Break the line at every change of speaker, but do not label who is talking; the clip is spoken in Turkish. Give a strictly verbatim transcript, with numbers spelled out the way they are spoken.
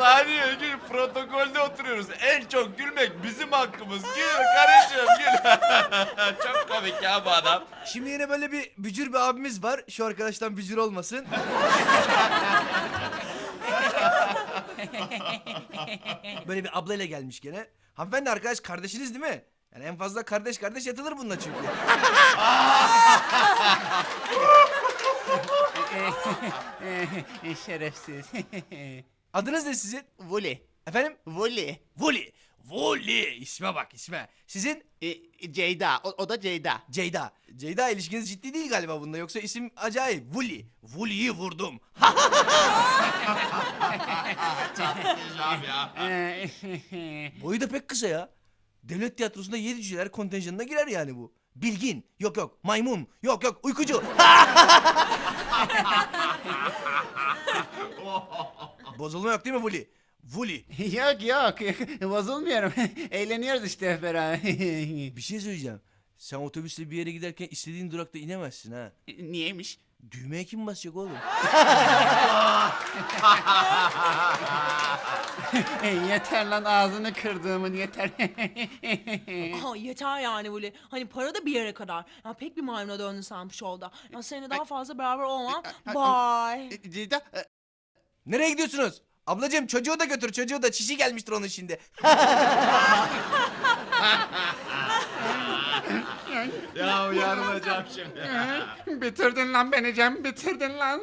Saniye gül, protokolde oturuyoruz. En çok gülmek bizim hakkımız. Gül karıcığım gül. Çok komik ya bu adam.
Şimdi yine böyle bir bücür bir abimiz var. Şu arkadaştan bücür olmasın. Böyle bir ablayla gelmiş gene. Hanımefendi arkadaş kardeşiniz değil mi? Yani en fazla kardeş kardeş yatılır bununla çünkü.
Şerefsiz.
Adınız ne sizin?
Vuli.
Efendim?
Vuli.
Voli. Voli. İsme bak isme. Sizin?
E, Ceyda. O, o da Ceyda.
Ceyda. Ceyda ilişkiniz ciddi değil galiba bunda. Yoksa isim acayip. Vuli. Vuli'yi vurdum.
Güzel ya.
Boyu da pek kısa ya. Devlet tiyatrosunda yedi cüceler kontenjanına girer yani bu. Bilgin. Yok yok. Maymun. Yok yok. Uykucu. Bozulma yok değil mi Vuli? Vuli.
Yok yok. Bozulmuyorum. Eğleniyoruz işte hep beraber.
Bir şey söyleyeceğim. Sen otobüsle bir yere giderken istediğin durakta inemezsin ha.
Niyeymiş?
Düğmeye kim basacak oğlum?
Yeter lan ağzını kırdığımın yeter.
Aha, yeter yani böyle. Hani para da bir yere kadar. Ya pek bir maymuna döndün sen bu şovda. Ya seninle daha fazla beraber olmam. Bye.
Ceyda. e,
Nereye gidiyorsunuz? Ablacığım çocuğu da götür, çocuğu da çişi gelmiştir onun şimdi.
Ya yarılacağım şimdi.
Bitirdin lan beni Cem, bitirdin lan.